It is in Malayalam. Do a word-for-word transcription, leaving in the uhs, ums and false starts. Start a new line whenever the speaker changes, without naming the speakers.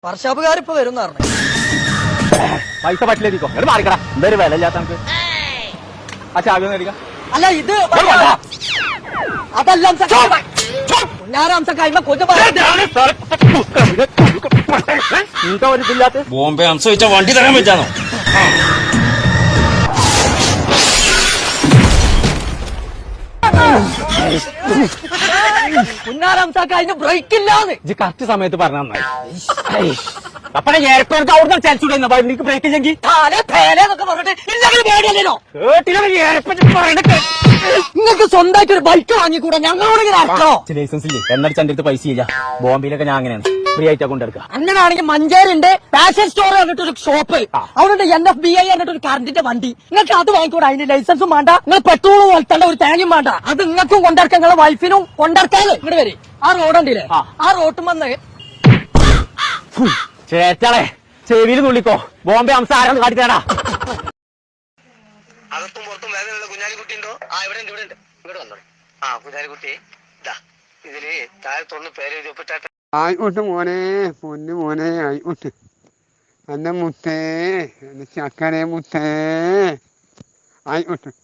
വർഷാപ്പുകാരിപ്പോ വരും പറഞ്ഞു.
പൈസ പറ്റില്ലേക്കോ എവിടെ മാറിക്കടാ. എന്തായാലും വില ഇല്ലാത്ത നമുക്ക് ആ ചാവി ഒന്ന് എടുക്കാം.
അല്ല ഇത് അതല്ല
ബോംബെ അംശ വെച്ചാ വണ്ടി തരാൻ പറ്റാന്നോ?
പുന്നാരംസക്ക് അതിന് ബ്രേക്ക് ഇല്ലാന്ന്
ഇജ്ജ് കറക്റ്റ് സമയത്ത് പറഞ്ഞ നന്നായി. അപ്പഴേ ഏർപ്പെടുത്ത് അവിടുന്ന് ചാൻസ് എനിക്ക് ബ്രേക്ക് ഇല്ലെങ്കിൽ
നിങ്ങൾക്ക് സ്വന്തമായിട്ട് ഒരു ബൈക്ക് വാങ്ങിക്കൂടാ? ഞങ്ങളോട്
ലൈസൻസ് ഇല്ലേ എന്നടിച്ച് എന്റെ അടുത്ത് പൈസ ഇല്ല. ബോംബെയിലൊക്കെ ഞാൻ അങ്ങനെയാണ് ഫ്രീ ആയിട്ടാ കൊണ്ടെടുക്കുക.
അങ്ങനെയാണെങ്കിൽ മഞ്ചേരിന്റെ ഫാഷൻ സ്റ്റോർ പറഞ്ഞിട്ടൊരു ഷോപ്പ്, അവിടെ എൻ എഫ് ബി ഐ പറഞ്ഞിട്ട് ഒരു കറണ്ടിന്റെ വണ്ടി. നിങ്ങൾക്ക് അത് വാങ്ങിക്കൂടാ? അതിന് ലൈസൻസും വേണ്ട, നിങ്ങൾ പെട്രോൾ പോലത്തെ ഒരു തേങ്ങയും വേണ്ട. അത് നിങ്ങൾക്കും കൊണ്ടിറക്കാം, നിങ്ങളെ വൈഫിനും കൊണ്ടിറക്കാതെ. ഇങ്ങോട്ട് വരെ ആ റോഡുണ്ടല്ലേ, ആ റോട്ടും വന്ന്
ചേച്ചാളെ ചെവിയിൽ തുള്ളിക്കോ. ബോംബെ അംശം ആരാന്ന് കാട്ടിത്തരാടാ.
അകത്തും പുറത്തും വേദനയുള്ള കുഞ്ഞാലിക്കുട്ടി ഉണ്ടോ? ആ ഇവിടെ ഉണ്ട്, ഇവിടെ ഉണ്ട്. ഇങ്ങോട്ട് വന്നോ. ആ കുഞ്ഞാലിക്കുട്ടി ഇതാ ഇതില് താഴത്തൊന്ന് പേര് എഴുതി ഒപ്പിട്ടാട്ടെ.
ആയിക്കോട്ടെ മോനെ, പൊന്നു മോനെ, ആയിക്കോട്ടെ. എന്റെ മുത്തേ, എന്റെ ചക്കരെ മുത്തേ, ആയിക്കോട്ടെ.